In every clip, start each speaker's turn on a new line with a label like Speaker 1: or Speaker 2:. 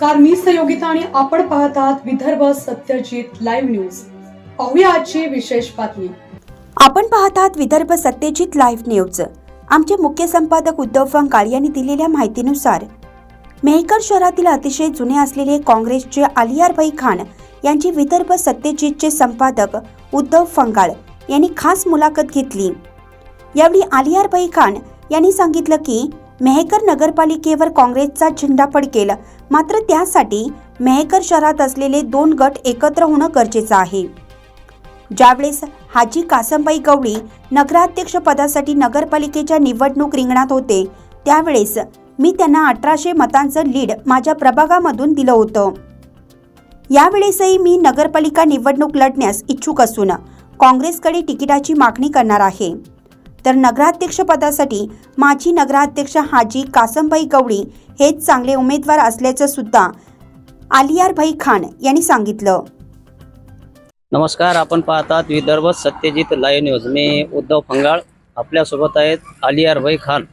Speaker 1: नमस्कार, मी सहयोगिता आणि आपण पाहत आहात विदर्भ सत्यजित लाईव्ह न्यूज। पाहूया आजची विशेष बातमी।
Speaker 2: आपण पाहत आहात विदर्भ सत्यजित लाईव्ह न्यूज। आमचे मुख्य संपादक उद्धव फंगाळ यांनी दिलेल्या माहितीनुसार मेहकर शहरातील अतिशय जुने असलेले काँग्रेसचे आलियारभाई खान यांची विदर्भ सत्यजितचे संपादक उद्धव फंगाळ यांनी खास मुलाखत घेतली। यावेळी आलियारभाई खान यांनी सांगितलं की मेहकर नगरपालिकेवर काँग्रेसचा झेंडा फडकेल, मात्र त्यासाठी मेहकर शहरात असलेले 2 गट एकत्र होणं गरजेचं आहे। ज्यावेळेस हाजी कासमबाई गवळी नगराध्यक्ष पदासाठी नगरपालिकेच्या निवडणूक रिंगणात होते, त्यावेळेस मी त्यांना 1800 मतांचं लीड माझ्या प्रभागामधून दिलं होतं। यावेळेसही मी नगरपालिका निवडणूक लढण्यास इच्छुक असून काँग्रेसकडे तिकिटाची मागणी करणार आहे। तर नगराध्यक्ष पदासाठी माजी नगराध्यक्ष हाजी कासमबाई गवळी हेच चांगले उमेदवार असल्याचं सुद्धा आलियारभाई खान यांनी सांगितलं।
Speaker 3: नमस्कार, आपण पाहतात विदर्भ सत्यजित लाईव्ह न्यूज। मी उद्धव फंगाळ, आपल्यासोबत आहेत आलियारभाई खान।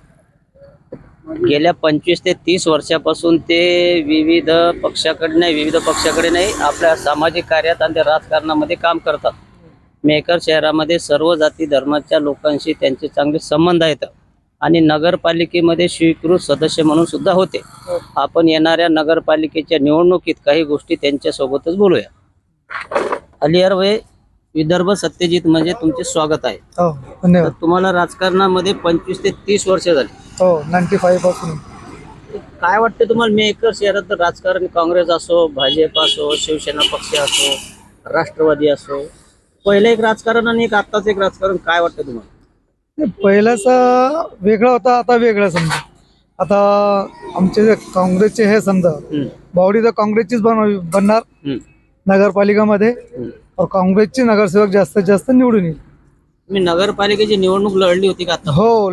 Speaker 3: गेल्या 25 ते 30 वर्षापासून ते विविध पक्षाकडे नाही आपल्या सामाजिक कार्यात आणि राजकारणामध्ये काम करतात। मेहकर शहरामध्ये सर्व जाती धर्माच्या लोकांशी त्यांचे चांगले संबंध आहेत आणि नगरपालिकेमध्ये स्वीकृत सदस्य म्हणून सुद्धा होते। आपण येणाऱ्या नगरपालिकेच्या निवडणुकीत काही गोष्टी त्यांच्यासोबतच बोलूया। आलियारभाई, विदर्भ सत्यजित म्हणजे तुमचे स्वागत आहे।
Speaker 4: हो, धन्यवाद।
Speaker 3: तुम्हाला राजकारणामध्ये 25 ते 30 वर्ष झाली।
Speaker 4: हो, 95 पासून।
Speaker 3: काय वाटतं तुम्हाला मेहकर शहरात राजकारण, काँग्रेस असो, भाजप असो, शिवसेना पक्ष असो, राष्ट्रवादी असो, पहिलं एक राजकारण आणि एक आत्ताच एक राजकारण, काय वाटतं तुम्हाला?
Speaker 4: पहिलंच वेगळं होतं, आता वेगळं समजा। आता आमचे जे काँग्रेसचे हे समजा बावडी तर काँग्रेसचीच बनणार नगरपालिकामध्ये, और काँग्रेसचे नगरसेवक जास्तीत जास्त निवडून येईल।
Speaker 3: मी नगरपालिकेची निवडणूक लढली होती का आता?
Speaker 4: हो,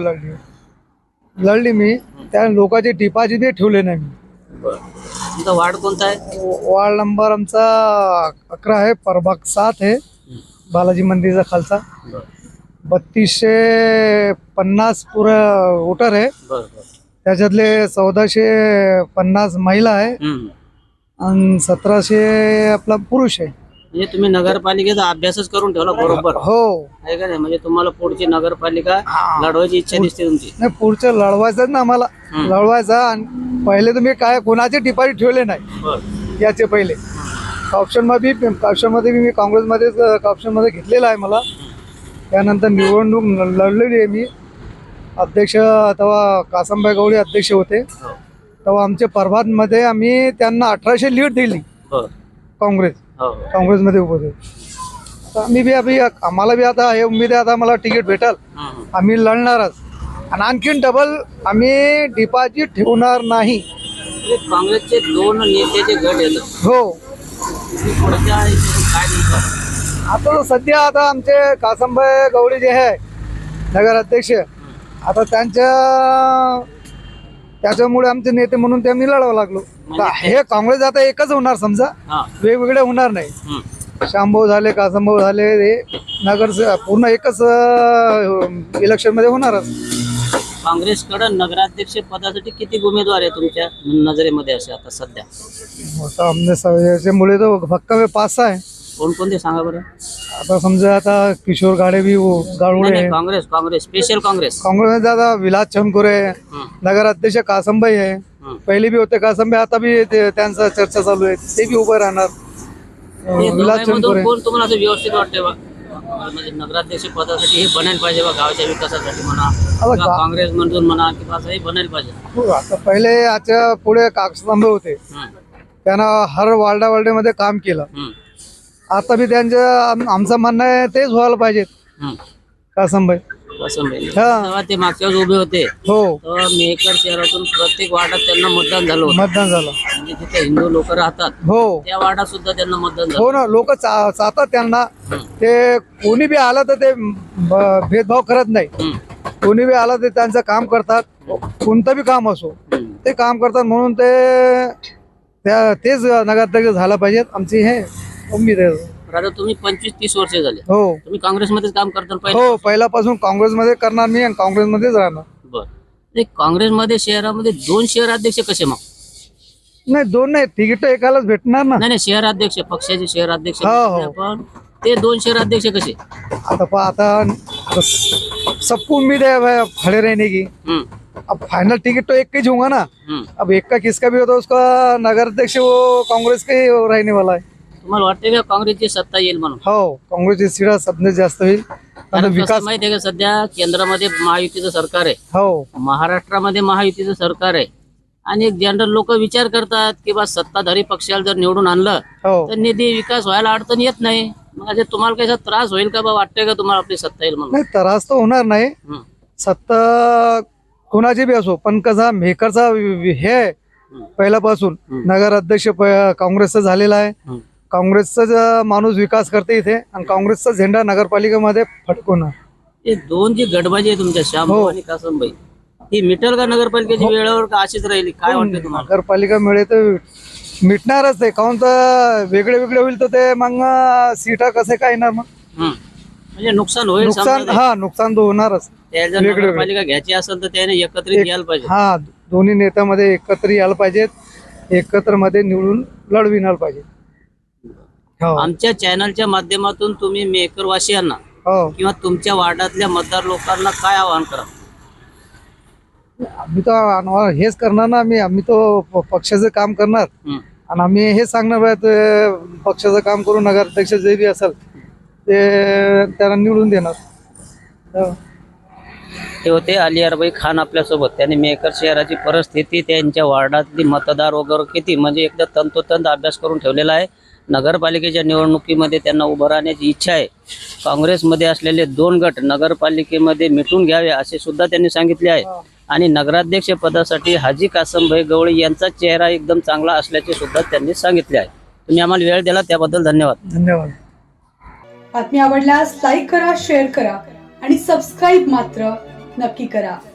Speaker 4: लढली मी। त्या लोकांचे डिपॉझिट बी ठेवले नाही मी।
Speaker 3: तुमचा वार्ड कोणता आहे?
Speaker 4: वार्ड नंबर आमचा 11 आहे, प्रभाग 7 आहे, बालाजी मंदिरचा खालचा। 3250 पुरा वोटर आहे, त्याच्यातले 1450 महिला आहे आणि 1700 आपला पुरुष आहे।
Speaker 3: म्हणजे तुम्ही नगरपालिकेचा अभ्यासच करून ठेवला बरोबर?
Speaker 4: हो,
Speaker 3: आहे का नाही? म्हणजे तुम्हाला पुढची नगरपालिका लढवायची इच्छा दिसते तुमची?
Speaker 4: नाही, पुढचं लढवायचं ना आम्हाला, लढवायचं। आणि पहिले तुम्ही काय कोणाचे डिपॉझिट ठेवले नाही याचे पहिले ऑप्शनमध्ये मी काँग्रेसमध्येच ऑप्शनमध्ये घेतलेला आहे मला। त्यानंतर निवडणूक लढलेली आहे मी। अध्यक्ष तेव्हा कासमबाई गवळी अध्यक्ष होते, तेव्हा आमच्या प्रभातमध्ये आम्ही त्यांना 1800 लीड दिली काँग्रेसमध्ये उभं होते। तर आम्ही बी आम्हाला बी आता हे उमेद आहे, आता मला तिकीट भेटल, आम्ही लढणारच। आणि आणखीन डबल आम्ही डिपॉझिट ठेवणार नाही।
Speaker 3: काँग्रेसचे 2 नेत्याचे गट येतात।
Speaker 4: हो, आता सध्या आता आमचे कासमबाई गवळी जे आहे नगर अध्यक्ष, आता त्याच्यामुळे आमचे नेते म्हणून ते आम्ही लढावं लागलो। हे काँग्रेस आता एकच होणार समजा, वेगवेगळे होणार नाही। शांभाऊ झाले, कासमभाऊ झाले, हे नगर पूर्ण एकच इलेक्शन मध्ये होणारच।
Speaker 3: काँग्रेसकडे नगराध्यक्ष पदासाठी किती उमेदवार आहे तुमच्या नजरेमध्ये असे आता सध्या?
Speaker 4: याच्यामुळे तो भक्कम 5-6 आहे।
Speaker 3: कोणकोणते सांगा बरं?
Speaker 4: आता समजा आता किशोर गाडे बी गाडवळे,
Speaker 3: काँग्रेस स्पेशल
Speaker 4: काँग्रेसमध्ये आता विलास चंदकुरे, नगर अध्यक्ष कासमबाई आहे, पहिले बी होते कासमबाई, आता बी त्यांचा चर्चा चालू आहे, ते बी उभं राहणार। विलास चंदकुरे
Speaker 3: कोण तुम्हाला असं व्यवस्थित वाटते बा, म्हणजे नगराध्यक्ष पदासाठी हे बनायला पाहिजे बा, गावाच्या विकासासाठी म्हणा, काँग्रेस मधून म्हणा, किंवा असं हे बनायला पाहिजे?
Speaker 4: आता पहिले याच्या पुढे कासमबाई होते, त्यांना हर वार्डामध्ये काम केलं। आता बी त्यांचं आमचं म्हणणं आहे तेच व्हायला पाहिजे कासमबाई।
Speaker 3: तेव्हा ते मागच्या उभे होते,
Speaker 4: हो,
Speaker 3: मेहकर शहरातून प्रत्येक वार्डात त्यांना मतदान झालं। म्हणजे तिथे हिंदू लोक राहतात,
Speaker 4: हो,
Speaker 3: त्या वार्डात सुद्धा त्यांना मतदान झालं।
Speaker 4: हो ना, लोक चाहतात त्यांना, ते कोणी बी आलं तर ते भेदभाव करत नाही। कोणी बी आलं तर त्यांचं काम करतात, कोणतं बी काम असो ते काम करतात, म्हणून तेच नगराध्यक्ष झाला पाहिजेत, आमची हे उम्मीद आहे।
Speaker 3: आता तुम्ही 25-30 वर्ष झाले,
Speaker 4: हो,
Speaker 3: तुम्ही काँग्रेसमध्येच काम करता?
Speaker 4: हो, पहिल्यापासून काँग्रेसमध्ये करणार मी आणि काँग्रेसमध्येच राहणार।
Speaker 3: बरं, काँग्रेसमध्ये शहरामध्ये 2 शहराध्यक्ष कसे? मग
Speaker 4: नाही, दोन नाही, तिकीट एकालाच भेटणार ना.
Speaker 3: नाही नाही, शहराध्यक्ष पक्षाचे शहराध्यक्ष
Speaker 4: हो, हो.
Speaker 3: आपण ते 2 शहराध्यक्ष कसे?
Speaker 4: आता सबको उम्मीद है भाई खड़े रहने की. अब फाइनल टिकट तो एक का ही होगा ना. अब एक का किसका भी होता है उसका नगर अध्यक्ष वो कांग्रेस का ही रहने वाला है.
Speaker 3: तुम्हाला वाटते का काँग्रेसची सत्ता येईल म्हणून?
Speaker 4: हो, काँग्रेसची सीटा सबने जास्त होईल. आता
Speaker 3: कारण
Speaker 4: विकास
Speaker 3: कसं माहिती आहे का, सध्या केंद्रामध्ये महायुतीचं सरकार आहे,
Speaker 4: हो
Speaker 3: महाराष्ट्रामध्ये महायुतीचं सरकार आहे, आणि जनरल लोक विचार करतात की बा सत्ताधारी पक्षाला जर निवडून आणलं
Speaker 4: हो
Speaker 3: तर निधी विकास व्हायला अडचण येत नाही. मग आता तुम्हाला काही त्रास होईल का बा, वाटतंय का तुम्हाला आपली सत्ता येईल म्हणून?
Speaker 4: नाही, त्रास तर होणार नाही. सत्ता कोणाची बी असो, पण कसा मेकरचा हे आहे पहिल्यापासून नगर अध्यक्ष काँग्रेसचा झालेला आहे. काँग्रेसचा माणूस विकास करते इथे, आणि काँग्रेसचा झेंडा नगरपालिकेमध्ये फडकवणार.
Speaker 3: हे दोन जी गडबाजी आहे तुमच्या श्यामभाऊ
Speaker 4: हो.
Speaker 3: आणि कासमबाई, ही मिटल का नगरपालिकेची वेळेवर का अशीच राहिली? काय वाटतं तुम्हाला?
Speaker 4: नगरपालिका मिळे तर मिटणारच ते, काहून तर वेगळे वेगळे होईल तर ते मग सीटा कसे काय येणार मग.
Speaker 3: म्हणजे नुकसान होईल
Speaker 4: नुकसान,
Speaker 3: समजा.
Speaker 4: हा नुकसान तर होणारच.
Speaker 3: त्याला जर
Speaker 4: वेगळे-
Speaker 3: नगरपालिका घ्यायची असेल तर त्याने एकत्रित यायला पाहिजे.
Speaker 4: हा, दोन्ही नेत्यामध्ये एकत्र यायला पाहिजेत, एकत्र मध्ये निवडून लढविणार पाहिजे. हो
Speaker 3: आमच्या चॅनलच्या माध्यमातून तुम्ही मेकरवासियांना
Speaker 4: हो,
Speaker 3: किंवा तुमच्या वार्डातल्या मतदार लोकांना काय आवाहन करा?
Speaker 4: आम्ही तर हेच करणार ना. आम्ही तो पक्षाचं काम करणार, आणि आम्ही हेच सांगणार बा, ते पक्षाचं काम करून नगराध्यक्ष जे बी असेल ते त्यांना निवडून देणार. हो.
Speaker 3: ते होते अलियारभाई खान आपल्यासोबत. त्यांनी मेकर शहराची परिस्थिती, त्यांच्या वार्डातली मतदार वगैरे किती म्हणजे एकदा तंतोतंत अभ्यास करून ठेवलेला आहे. नगरपालिकेच्या निवडणुकीमध्ये त्यांना उभं राहण्याची इच्छा आहे. काँग्रेसमध्ये असलेले 2 गट नगरपालिकेमध्ये मिटून घ्यावे असे सुद्धा त्यांनी सांगितले आहे. आणि नगराध्यक्ष पदासाठी हाजी कासमभाई गवळी यांचा चेहरा एकदम चांगला असल्याचे सुद्धा त्यांनी सांगितले आहे. तुम्ही आम्हाला वेळ दिला त्याबद्दल धन्यवाद.
Speaker 4: धन्यवाद.
Speaker 1: बातमी आवडल्यास लाईक करा, शेअर करा आणि सबस्क्राईब मात्र नक्की करा.